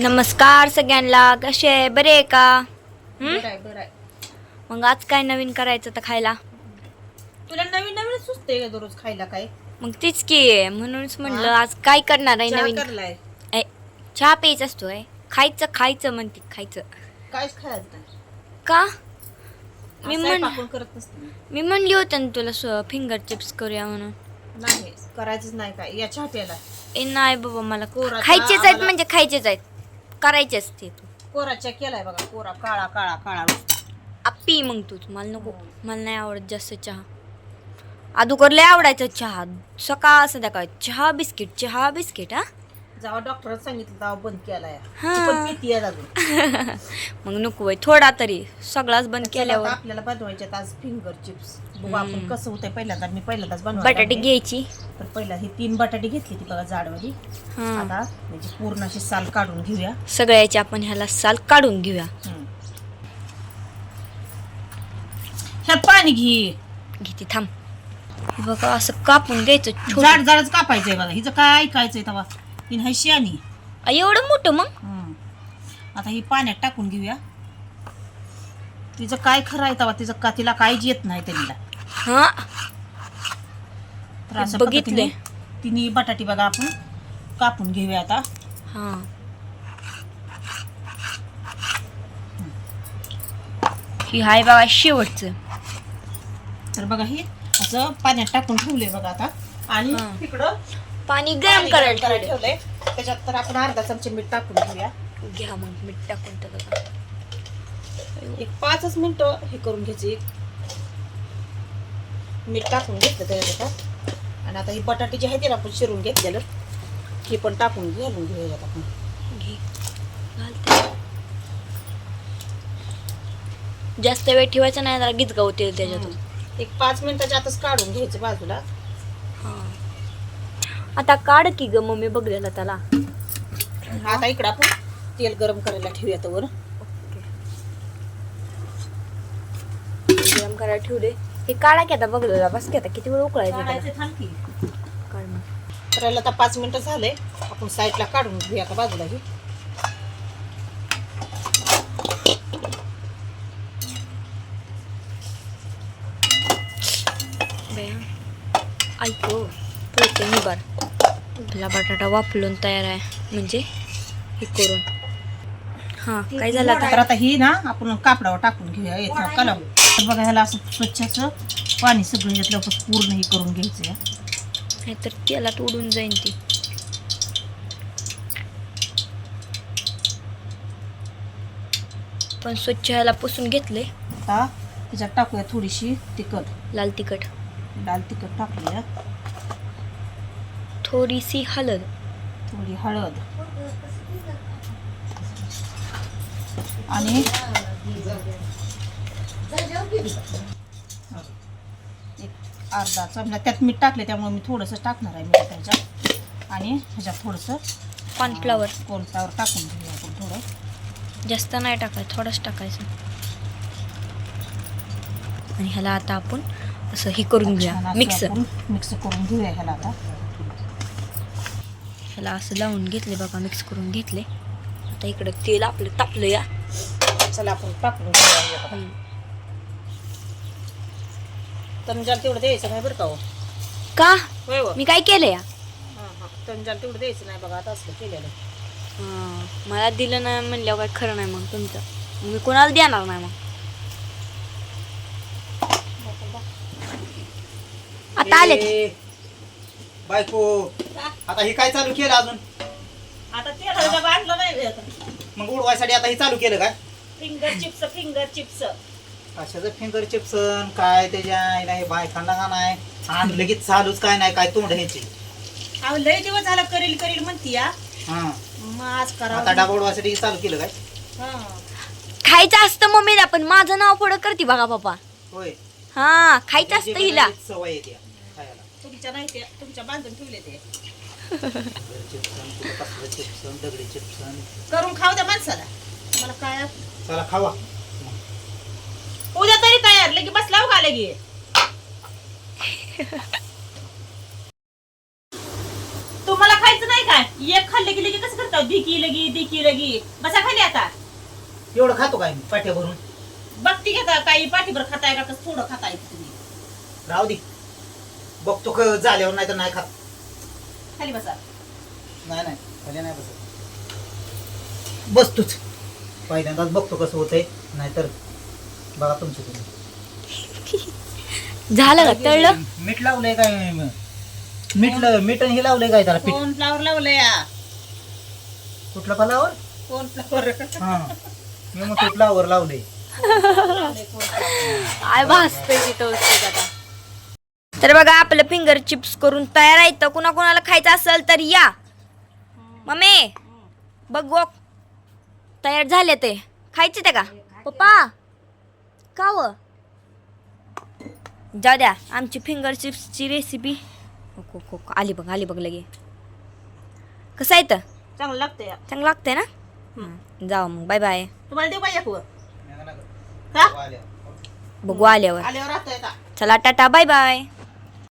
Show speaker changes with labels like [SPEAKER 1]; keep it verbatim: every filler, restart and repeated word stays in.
[SPEAKER 1] नमस्कार सगळ्यांना, कसे आहे? बरे आहे का?
[SPEAKER 2] बरं आहे, बरं आहे.
[SPEAKER 1] मग आज काय नवीन करायचं तर खायला?
[SPEAKER 2] तुला नवीन नवीन सुचते का दररोज खायला काय?
[SPEAKER 1] मग तीच की म्हणूनच म्हणलं आज काय करणार आहे
[SPEAKER 2] चहा
[SPEAKER 1] नवीन.
[SPEAKER 2] करलाय
[SPEAKER 1] ए, चहा प्यायचा असतोय, खायचं खायचं म्हणते खायचं
[SPEAKER 2] कायच खायचं नाही.
[SPEAKER 1] का? मी
[SPEAKER 2] असं
[SPEAKER 1] म्हण
[SPEAKER 2] पाकून करत नसते मी.
[SPEAKER 1] मी म्हणली होते ना तुला फिंगर चिप्स करूया म्हणून.
[SPEAKER 2] नाही करायचंच नाही काय या चहा प्यायला.
[SPEAKER 1] ए नाही बाबा, मला
[SPEAKER 2] कोरा चहा
[SPEAKER 1] खायचेच आहेत
[SPEAKER 2] आम्हाला-
[SPEAKER 1] म्हणजे खायचेच आहेत, करायचे असते.
[SPEAKER 2] कोरा चहा केलाय बघा, कोरा काळा काळा काळा.
[SPEAKER 1] आप्पी मग तूच, मला नको, मला नाही आवडत जास्त चहा. अगोदर लय आवडायचं चहा, सकाळ संध्याकाळ चहा बिस्किट चहा बिस्किट. हा
[SPEAKER 2] जेव्हा डॉक्टरांनी सांगितलं तेव्हा बंद केलाय.
[SPEAKER 1] हा.
[SPEAKER 2] ती पण पिती आहे अजून.
[SPEAKER 1] मग नको बाई, थोडा तरी, सगळाच बंद
[SPEAKER 2] चला
[SPEAKER 1] केल्यावर.
[SPEAKER 2] आता आपल्याला बनवायचे आज फिंगर चिप्स. बघू आपण कसं होतंय. पहिल्यांदा मी पहिल्यांदाच बनवायला
[SPEAKER 1] बटाटे
[SPEAKER 2] लागले.
[SPEAKER 1] घ्यायची.
[SPEAKER 2] तर पहिला ही तीन बटाटे घेतली ती बघा जाडवाली.
[SPEAKER 1] हा,
[SPEAKER 2] आता म्हणजे पूर्ण अशी साल काढून घेऊया.
[SPEAKER 1] सगळ्याची आपण ह्याला साल काढून घेऊया.
[SPEAKER 2] हम्म. ह्यात पाणी घे.
[SPEAKER 1] घेते थांब. हे बघा असं कापून घ्यायचं छोटं.
[SPEAKER 2] जाड जाडच कापायचंय बघा. हिचं काय ऐकायचंय तेव्हा हिन हाय शियानी.
[SPEAKER 1] आ, एवढं मोठं मग.
[SPEAKER 2] हम्म. आता ही पाण्यात टाकून घेऊया. तिचं काय खरं आहे तेव्हा तिचं का तिला काहीच येत नाही त्यांना.
[SPEAKER 1] हा
[SPEAKER 2] तर असं
[SPEAKER 1] बघितलंय.
[SPEAKER 2] पद्धतीने तिन्ही बटाटी बघा आपण कापून घेऊया आता.
[SPEAKER 1] हा, ही हाय बघा शेवटचं.
[SPEAKER 2] तर बघा हे असं पाण्यात टाकून ठेवलंय बघा आता. आणि
[SPEAKER 1] हा.
[SPEAKER 2] तिकडं
[SPEAKER 1] पाणी
[SPEAKER 2] पाणी
[SPEAKER 1] गरम करायला ठेवलंय.
[SPEAKER 2] ठेवलंय. त्याच्यात तर आपण अर्धा चमचे मीठ टाकून घेऊया.
[SPEAKER 1] घ्या मग मीठ टाकून टाका.
[SPEAKER 2] एक पाचच मिनिटं हे करून घ्यायची. मीठ टाकून घेतलं त्याच्यात. आणि आता ही बटाटे जे आहे ते आपण शिरून घेतलेलं हे पण टाकून घालून घेऊया आपण.
[SPEAKER 1] घे, घालते. जास्त वेळ ठेवायचा नाही, जरा गीत गावते त्याच्यातून.
[SPEAKER 2] एक पाच मिनिटाच्या आतच काढून घ्यायचं बाजूला.
[SPEAKER 1] हा, आता काढ की ग मम्मी बघलेला त्याला.
[SPEAKER 2] आता इकडं आपण तेल गरम करायला ठेवूया तर.
[SPEAKER 1] गरम करायला ठेवू दे. हे काढा की आता बघलेला. बस की आता किती वेळ उकळायचं त्याला.
[SPEAKER 2] काढायचं थांब की.
[SPEAKER 1] काढ मग.
[SPEAKER 2] करायला आता पाच मिनिटं झालंय. आपण साईडला काढून घेऊया का बाजूला ही.
[SPEAKER 1] ऐको पोते निबार. आपला बटाटा वापरून तयार आहे, म्हणजे हे करून. हा, काय झालं
[SPEAKER 2] तर
[SPEAKER 1] आता?
[SPEAKER 2] आता ही ना आपण कापडावर टाकून घेऊया येत कलम. तर बघा ह्याला असं स्वच्छ असं पाणी सगळं घेतलं पूर्ण हे करून घ्यायचं या.
[SPEAKER 1] नाहीतर तेलात उडून जाईन ती. पण स्वच्छ ह्याला पुसून घेतले.
[SPEAKER 2] आता त्याच्यात टाकूया थोडीशी तिखट,
[SPEAKER 1] लाल तिखट,
[SPEAKER 2] लाल तिखट टाकूया.
[SPEAKER 1] थोडीशी हळद,
[SPEAKER 2] थोडी हळद आणि एक अर्धा चमचा त्यात मीठ टाकले त्यामुळे मी थोडंसं टाकणार आहे मीठ त्याच्यात. आणि ह्याच्यात थोडंसं
[SPEAKER 1] कॉर्नफ्लॉवर.
[SPEAKER 2] कॉर्नफ्लॉवर टाकून घेऊया आपण थोडं.
[SPEAKER 1] जास्त नाही टाकायचं, थोडंच टाकायचं. आणि ह्याला आता आपण असं हे करून घेऊया, मिक्स.
[SPEAKER 2] मिक्स करून घेऊया ह्याला आता.
[SPEAKER 1] ह्याला असं लावून घेतले बघा, मिक्स करून घेतले. आता इकडं तेल आपलं तापलं या.
[SPEAKER 2] चला आपण टाकून घेऊया. तंजाल तेवढं द्यायचं नाही बरं का हो.
[SPEAKER 1] का?
[SPEAKER 2] होय हो.
[SPEAKER 1] मी काय केलं या?
[SPEAKER 2] हां हां तंजाल तेवढं द्यायचं नाही बघा आता असलं केलेलं.
[SPEAKER 1] हां, मला दिलं नाही म्हणल्यावर काय खरं नाही मग तुमचं. मी कोणाला देणार नाही मग. आता आले
[SPEAKER 3] ए, बायको आता हे काय चालू केलं अजून?
[SPEAKER 2] आता तेल डबा आणलं नाही आता.
[SPEAKER 3] मग उडवायसाठी आता हे चालू केलं काय?
[SPEAKER 2] फिंगर चिप्स फिंगर चिप्स
[SPEAKER 3] कशाचं फिंगर चिप्स काय त्याच्या आईला हे बायकांना का नाही आणि लगेच चालूच काय नाही काय तोंड ह्याचे.
[SPEAKER 2] अहो लय दिवस झाला करील करील म्हणती या.
[SPEAKER 3] हा
[SPEAKER 2] मग आज
[SPEAKER 3] आता
[SPEAKER 2] करा.
[SPEAKER 3] डबा उडवायसाठी हे चालू केलं काय?
[SPEAKER 1] खायचं असतं मम्मीला, पण माझं नाव पुढं करते बघा पप्पा.
[SPEAKER 3] होय
[SPEAKER 1] हा, खायचं असतं हिला.
[SPEAKER 3] सवय येते खायला.
[SPEAKER 2] तुमच्या नाही ते तुमच्या बांधून ठेवले ते.
[SPEAKER 3] चिप्सन कसलं चिप्सन दगडी चिप्सन
[SPEAKER 2] करून खाऊ द्या माणसाला. मला काय
[SPEAKER 3] चला खावा.
[SPEAKER 2] उद्या तरी तयार लगे बसला का लगे. तुम्हाला खायचं नाही काय? एक खाल्ले की लगे कसं करता म्हणल्यावर दिकी लगी दिकी लगी बसा खाली आता.
[SPEAKER 3] एवढं खातो काय मी पाट्या भरून?
[SPEAKER 2] बघती घेता काही पाठीभर खाताय का कसं थोडं खाताय तुम्ही.
[SPEAKER 3] राहू दे बघतो क- झाल्यावर नाही तर नाही खात.
[SPEAKER 2] खाली बसा.
[SPEAKER 3] नाही नाही खाली नाही बसत. बसतोच पहिल्यांदाच बघतो कसं होतंय, नाहीतर बघा तुमचं तुम्ही.
[SPEAKER 1] झालं का तळलं?
[SPEAKER 3] मीठ लावलंय काय? मीठ ल- मीठ आणि हे लावलंय काय त्याला पीठ?
[SPEAKER 2] कोण फ्लावर लावलंय या?
[SPEAKER 3] कुठलं फलावर?
[SPEAKER 2] कोण फ्लावर
[SPEAKER 3] हा मी मग फ्लावर लावलंय.
[SPEAKER 1] आय भासतोय तिथं वस्तू आता. तर बघा आपलं फिंगर चिप्स करून तयार आहे. तर कुणा कुणाला खायचं असेल तर या. मम्मी बघ बघ तयार झाले ते. खायचे ते का पप्पा? का व जाऊ द्या. आमची फिंगर चिप्सची रेसिपी हो हो आली बघ आली बघ लगे. कसं आहे तर
[SPEAKER 2] चांगलं लागतंय या.
[SPEAKER 1] चांगलं लागतंय ना. हं, जाऊ मग बाय बाय.
[SPEAKER 2] तुम्हाला देऊ पाहिजे का?
[SPEAKER 3] नाही, नाही, नाही.
[SPEAKER 2] का
[SPEAKER 3] आल्या.
[SPEAKER 1] बघू आल्यावर.
[SPEAKER 2] आल्यावर राहतोय का?
[SPEAKER 1] चला टाटा बाय बाय.